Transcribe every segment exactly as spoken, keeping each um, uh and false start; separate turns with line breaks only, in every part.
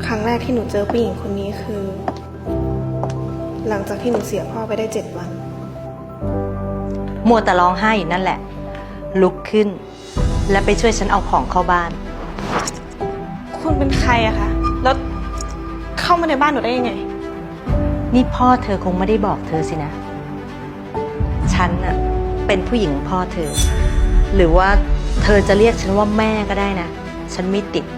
ครั้งแรกที่หนูเจอผู้หญิงคนนี้คือ หลังจากที่หนูเสียพ่อไปได้เจ็ดวัน
มัวแต่ร้องไห้อยู่นั่นแหละลุกขึ้นและไปช่วยฉันเอาของเข้าบ้าน
คุณเป็นใครอะคะแล้วเข้ามาในบ้านหนูได้ยังไง
นี่พ่อเธอคงไม่ได้บอกเธอสินะฉันน่ะเป็นผู้หญิงของพ่อเธอหรือว่าเธอจะเรียกฉันว่าแม่ก็ได้นะฉันไม่ติด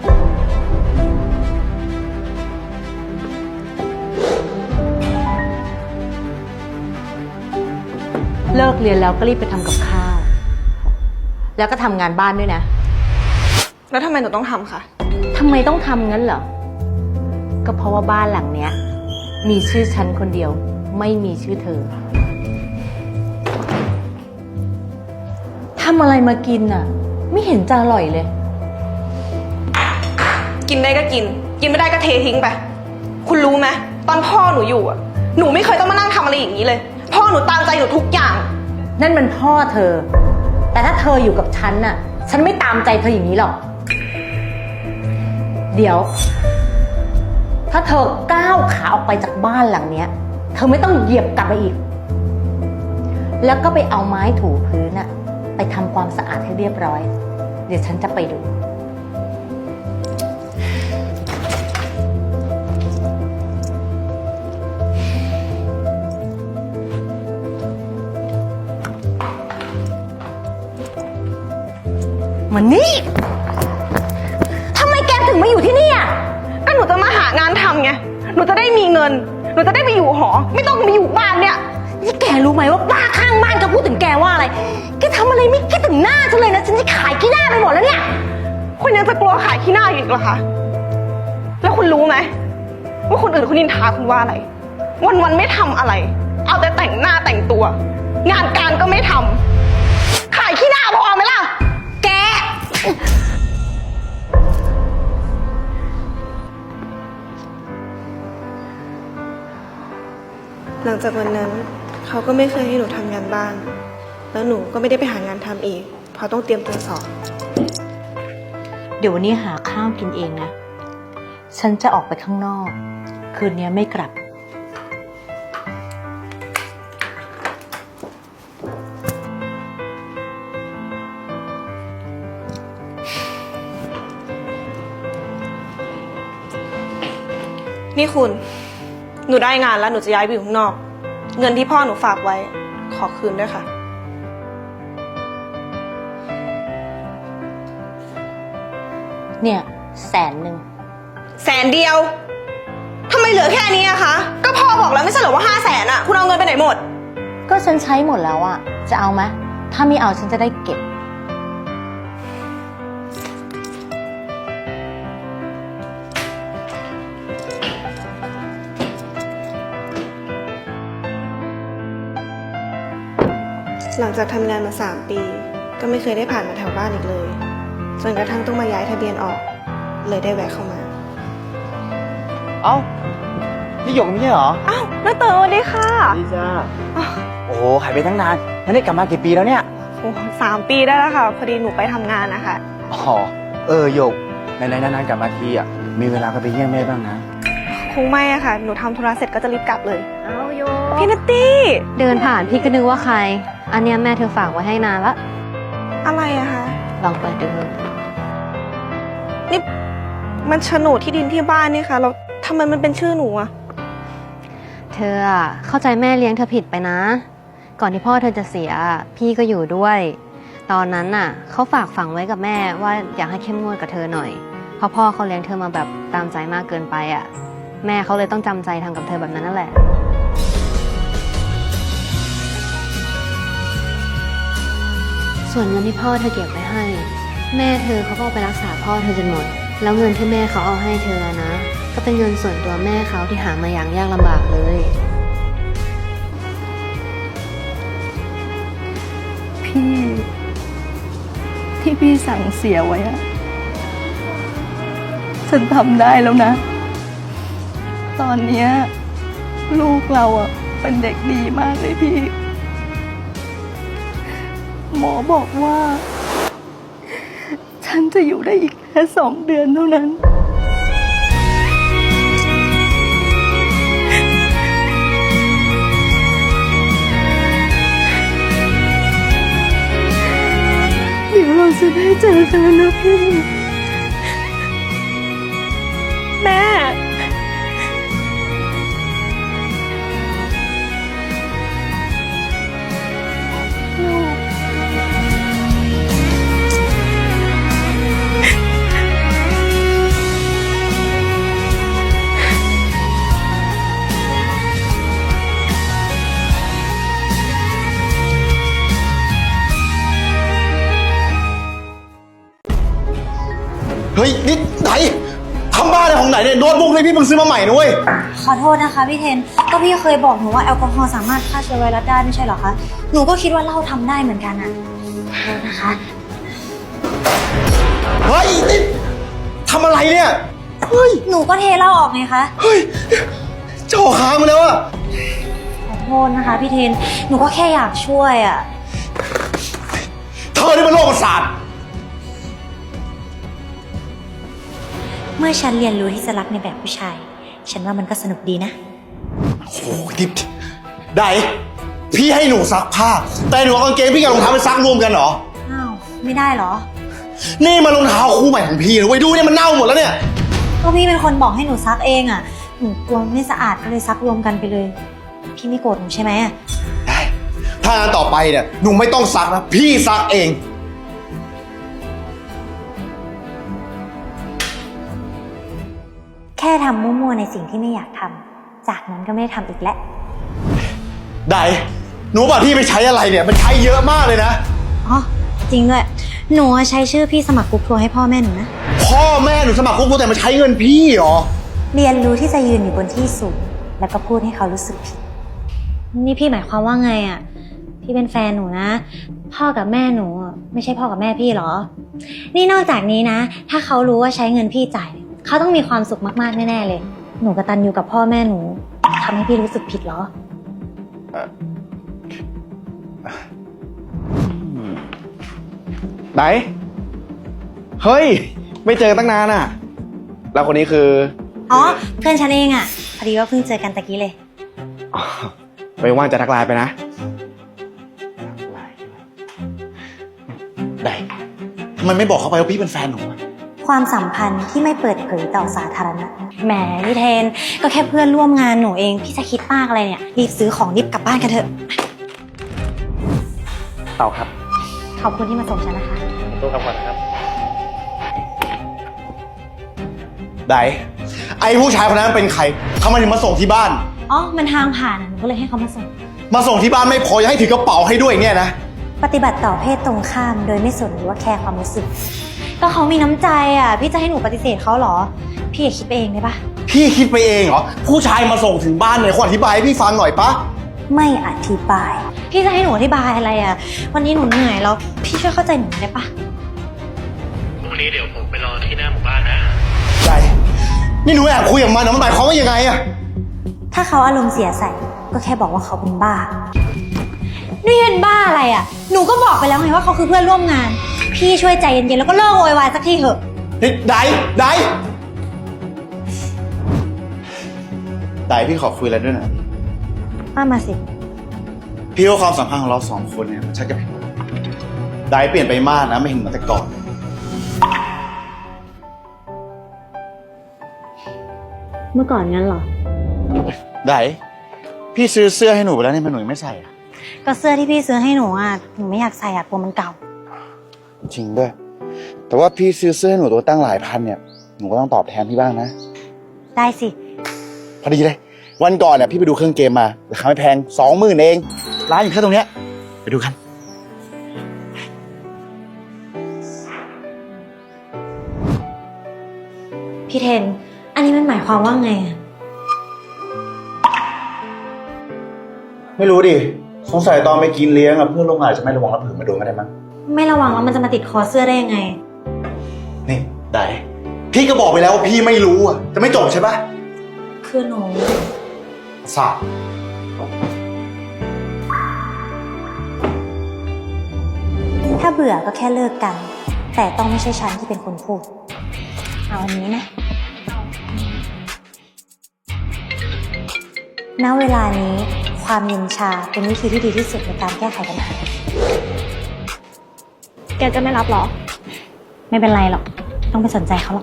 เลิกเรียนแล้วก็รีบไปทำกับข้าวแล้วก็ทำงานบ้านด้วยนะ
แล้วทำไมหนูต้องทำคะ
ทำไมต้องทำงั้นเหรอก็เพราะว่าบ้านหลังเนี้ยมีชื่อฉันคนเดียวไม่มีชื่อเธอทำอะไรมากินน่ะไม่เห็นจะอร่อยเลย
กินได้ก็กินกินไม่ได้ก็เททิ้งไปคุณรู้ไหมตอนพ่อหนูอยู่อะหนูไม่เคยต้องมานั่งทำอะไรอย่างนี้เลยพ่อหนูตามใจหนูทุกอย่าง
นั่นมันพ่อเธอแต่ถ้าเธออยู่กับฉันน่ะฉันไม่ตามใจเธออย่างนี้หรอกเดี๋ยวถ้าเธอก้าวขาออกไปจากบ้านหลังเนี้ยเธอไม่ต้องเหยียบกลับมาอีกแล้วก็ไปเอาไม้ถูพื้นน่ะไปทำความสะอาดให้เรียบร้อยเดี๋ยวฉันจะไปดูมันนี่ทำไมแกถึงมาอยู่ที่นี่อ่ะ
ก็หนูจะมาหางานทำไงหนูจะได้มีเงินหนูจะได้ไปอยู่หอไม่ต้องมาอยู่บ้านเนี่ย
นี่แกรู้ไหมว่าป้าข้างบ้านจะพูดถึงแกว่าอะไรแกทำอะไรไม่คิดถึงหน้าฉันเลยนะฉันจะขายขี้หน้าไปหมดแล้วเนี่ย
คุณยังจะกลัวขายขี้หน้าอีกเหรอคะแล้วคุณรู้ไหมว่าคนอื่นเขานินทาคุณว่าอะไรวันวันไม่ทำอะไรเอาแต่แต่งหน้าแต่งตัวงานการก็ไม่ทำขายขี้หน้าพอไหมล่ะ
แก
หลังจากวันนั้นเขาก็ไม่เคยให้หนูทำงานบ้านแล้วหนูก็ไม่ได้ไปหางานทำอีกเพราะต้องเตรียมตัวสอบ
เดี๋ยววันนี้หาข้าวกินเองนะฉันจะออกไปข้างนอกคืนนี้ไม่กลับ
นี่คุณหนูได้งานแล้วหนูจะย้ายไปอยู่ข้างนอกเงินที่พ่อหนูฝากไว้ขอคืนด้วยค่ะ
เนี่ยแสนหนึ่ง
แสนเดียวทำไมเหลือแค่นี้อะคะก็พ่อบอกแล้วไม่ใช่เหรอว่าห้าแสนอะคุณเอาเงินไปไหนหมด
ก็ฉันใช้หมดแล้วอะจะเอาไหมถ้าไม่เอาฉันจะได้เก็บ
หลังจากทำงานมาสามปีก็ไม่เคยได้ผ่านมาแถวบ้านอีกเลยจนกระทั่งต้องมาย้ายทะเบียนออกเลยได้แวะเข้ามา
เอ้านี่หยกไม่ใช่เหรอ
อ้าวน้าเต๋อสวัสดีค่ะ
ดีจ้าโอ้โหหายไปตั้งนานแล้วนี่กลับมากี่ปีแล้วเนี่ย
โอ้สามปีได้แล้วค่ะพอดีหนูไปทำงานนะคะ
อ๋อเออหยกในๆนานๆกลับมาทีอ่ะมีเวลาก็ไปเยี่ยมแม่บ้างนะ
คงไม่อะค่ะหนูทำธุระเสร็จก็จะรีบกลับเลย
เอาโย
พี่นัตตี้
เดินผ่านพี่ก็นึกว่าใครอันเนี้ยแม่เธอฝากไว้ให้นานละ
อะไรอะคะ
ลองเปิดดู
นี่มันโฉนดที่ดินที่บ้านนี่ค่ะแล้วทำไมมันเป็นชื่อหนูอะ
เธออะเข้าใจแม่เลี้ยงเธอผิดไปนะก่อนที่พ่อเธอจะเสียพี่ก็อยู่ด้วยตอนนั้นน่ะเขาฝากฝังไว้กับแม่ว่าอยากให้เข้มงวดกับเธอหน่อยเพราะพ่อเขาเลี้ยงเธอมาแบบตามใจมากเกินไปอะแม่เขาเลยต้องจำใจทำกับเธอแบบนั้นนั่นแหละส่วนเงินที่พ่อเธอเก็บไว้ให้แม่เธอเขาก็เอาไปรักษาพ่อเธอจนหมดแล้วเงินที่แม่เขาเอาให้เธอนะก็เป็นเงินส่วนตัวแม่เขาที่หามาอย่างยากลำบากเลย
พี่ที่พี่สั่งเสียไว้อะฉันทำได้แล้วนะตอนเนี้ยลูกเราอะเป็นเด็กดีมากเลยพี่หมอบอกว่าฉันจะอยู่ได้อีกแค่สองเดือนเท่านั้นเจอกันนะพี่
แม่
เฮ้ยนี่ไหนทำบ้าอะไรของไหนเนี่ยโน้ตบุ๊กเลยพี่เพิ่งซื้อมาใหม่นะเว้ย
ขอโทษนะคะพี่เทน ก็พี่เคยบอกหนูว่าแอลกอฮอล์สามารถฆ่าเชื้อไวรัสได้ไม่ใช่เหรอคะ หนูก็คิดว่าเหล้าทำได้เหมือนกันอะขอโทษนะคะ
เฮ้ยนี่ทำอะไรเนี่ยเฮ้ย
หนูก็เทเหล้าออกไงคะ
เฮ้ยเจ้าค้างมาแล้วอะ
ขอโทษนะคะพี่เทน หนูก็แค่อยากช่วยอะ
เธอนี่มันโรคประสาท
เมื่อฉันเรียนรู้ที่จะรักในแบบผู้ชาย ฉันว่ามันก็สนุกดีนะ
โอ้โหดิบได้พี่ให้หนูซักผ้าแต่หนูเอากางเกงพี่กับรองเท้าไปซักรวมกันเหรอ
อ้าว ไม่ได้เหรอ
นี่มันรองเท้าคู่ใหม่ของพี่นะเว้ยดูเนี่ยมันเน่าหมดแล้วเนี่ย
ก็พี่เป็นคนบอกให้หนูซักเองอะหนูกลัวไม่สะอาดก็เลยซักรวมกันไปเลย พี่ไม่โกรธหนูใช่ไหมอะ
ได้ถ้างานต่อไปเนี่ยหนูไม่ต้องซักนะพี่ซักเอง
แค่ทำมั่วๆในสิ่งที่ไม่อยากทำ จากนั้นก็ไม่ได้ทำอีกแล้ว
ได้หนูบอกพี่ไปใช้อะไรเนี่ยมันใช้เยอะมากเลยนะ
อ๋อ จริงด้วย หนูใช้ชื่อพี่สมัครกรุ๊ปทัวร์ให้พ่อแม่หนูนะ
พ่อแม่หนูสมัครคุกแต่มาใช้เงินพี่เหรอ
เรียนรู้ที่จะยืนอยู่บนที่สูง แล้วก็พูดให้เขารู้สึกผิด นี่พี่หมายความว่าไงอ่ะ พี่เป็นแฟนหนูนะ พ่อกับแม่หนูอะไม่ใช่พ่อกับแม่พี่เหรอ นี่นอกจากนี้นะ ถ้าเขารู้ว่าใช้เงินพี่จ่าย เขาต้องมีความสุขมากๆแน่ๆเลย หนูกตัญญูกับพ่อแม่หนูทำให้พี่รู้สึกผิดเหรอ
ไหน เฮ้ย ไม่เจอตั้งนานอ่ะ แล้วคนนี้คือ
อ๋อ เพื่อนฉันเองอ่ะ พอดีว่าเพิ่งเจอกันตะกี้เลย
อ๋อไม่ว่างจะทักไลน์ไปนะ
ได้ทำไมไม่บอกเขาไปว่าพี่เป็นแฟนหนูอะ
ความสัมพันธ์ที่ไม่เปิดเผยต่อสาธารณะ แหมพี่เทน ก็แค่เพื่อนร่วมงานหนูเอง พี่จะคิดมากอะไรเนี่ย รีบซื้อของรีบกลับบ้านกันเถอะ
เต่าครับ
ขอบคุณที่มาส่งฉันนะคะ
ตัวกลับก่อนนะครับ
ได้ไอ้ผู้ชายคนนั้นเป็นใครทำไมถึงมาส่งที่บ้าน
อ๋อ มันทางผ่านอะหนูก็เลยให้เขามาส่ง
มาส่งที่บ้านไม่พอยังให้ถือกระเป๋าให้ด้วยเนี่ยนะ
ปฏิบัติต่อเพศตรงข้ามโดยไม่สนหรือว่าแคร์ความรู้สึก ก็เขามีน้ำใจอ่ะ พี่จะให้หนูปฏิเสธเขาเหรอ พี่อย่าคิดไปเองได้ปะ
พี่คิดไปเองเหรอผู้ชายมาส่งถึงบ้านเนี่ยขออธิบายให้พี่ฟังหน่อยปะ
ไม่อธิบาย พี่จะให้หนูอธิบายอะไรอ่ะ วันนี้หนูเหนื่อยแล้ว พี่ช่วยเข้าใจหนูได้ปะ
พรุ่งนี้เดี๋ยวผมไปรอที่หน้าหมู่บ้านนะ
ได้นี่หนูแอบคุยกับมันนะมันหมายความว่ายังไงอะ
ถ้าเขาอารมณ์เสียใส่ ก็แค่บอกว่าเขาเป็นบ้า นี่เป็นบ้าอะไรอ่ะ หนูก็บอกไปแล้วไงว่าเขาคือเพื่อนร่วมงาน พี่ช่วยใจเย็นๆแล้วก็เลิกโวยวายสักทีเถอะ
เฮ้ยได้ได้ได้พี่ขอคุยอะไรด้วยนะ
มามาสิ
พี่ว่าความสัมพันธ์ของเราสองคนเนี่ยมันชักจะผิดได้เปลี่ยนไปมากนะไม่เห็นเหมือนแต่ก่อน
เมื่อก่อนงั้นเหรอ
ได้พี่ซื้อเสื้อให้หนูไปแล้วนี่มันหนูยังไม่ใส่อะ
ก็เสื้อที่พี่ซื้อให้หนูอ่ะ หนูไม่อยากใส่อ่ะกลัวมันเก่า
จริงด้วย แต่ว่าพี่ซื้อเสื้อให้หนูตัวตั้งหลายพันเนี่ย หนูก็ต้องตอบแทนพี่บ้างนะ
ได้สิ
พอดีเลย วันก่อนเนี่ยพี่ไปดูเครื่องเกมมาราคาไม่แพงสองหมื่นเอง ร้านอยู่แค่ตรงเนี้ย ไปดูกัน
พี่เทน อันนี้มันหมายความว่าไงอ่ะ
ไม่รู้ดิ สงสัยตอนไปกินเลี้ยงอะเพื่อนร่วมงานจะไม่ระวังรับผืนมาโดนก็ได้มั้ง
ไม่ระวังแล้วมันจะมาติดคอเสื้อได้ยังไง
นี่ได้พี่ก็บอกไปแล้วว่าพี่ไม่รู้อะจะไม่จบใช่ปะ
คือหนู
สาบ
ถ้าเบื่อก็แค่เลิกกัน แต่ต้องไม่ใช่ฉันที่เป็นคนพูด เอาอันนี้นะ ณ เวลานี้ความเย็นชาเป็นวิธีที่ดีที่สุดในการแก้ไขปัญหา
แกจะไม่รับเหรอ
ไม่เป็นไรหรอก ต้องไปสนใจเขาหรอก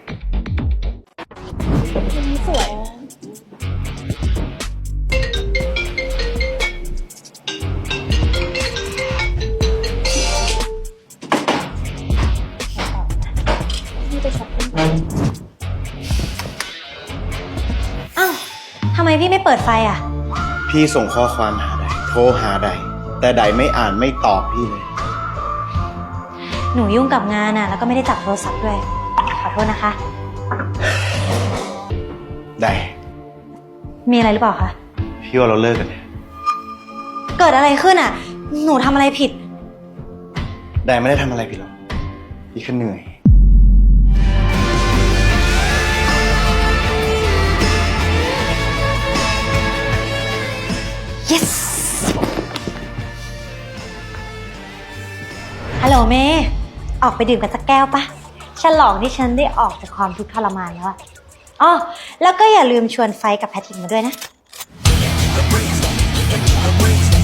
อ้าว ทำไมพี่ไม่เปิดไฟอ่ะ
พี่ส่งข้อความหาใดโทรหาใดแต่ใดไม่อ่านไม่ตอบพี่เลย
หนูยุ่งกับงานอ่ะ แล้วก็ไม่ได้จับโทรศัพท์ด้วย ขอโทษนะคะ
ใด
มีอะไรหรือเปล่าคะ
พี่ว่าเราเลิกกันเถอะ
เกิดอะไรขึ้นอ่ะ หนูทำอะไรผิด
ใดไม่ได้ทำอะไรผิดหรอกพี่แค่เหนื่อย
yes ฮัลโหลเมย์ออกไปดื่มกันสักแก้วปะฉลองที่ฉันได้ออกจากความทุกข์ทรมานแล้วอะอ๋อแล้วก็อย่าลืมชวนไฟกับแพทริกมาด้วยนะ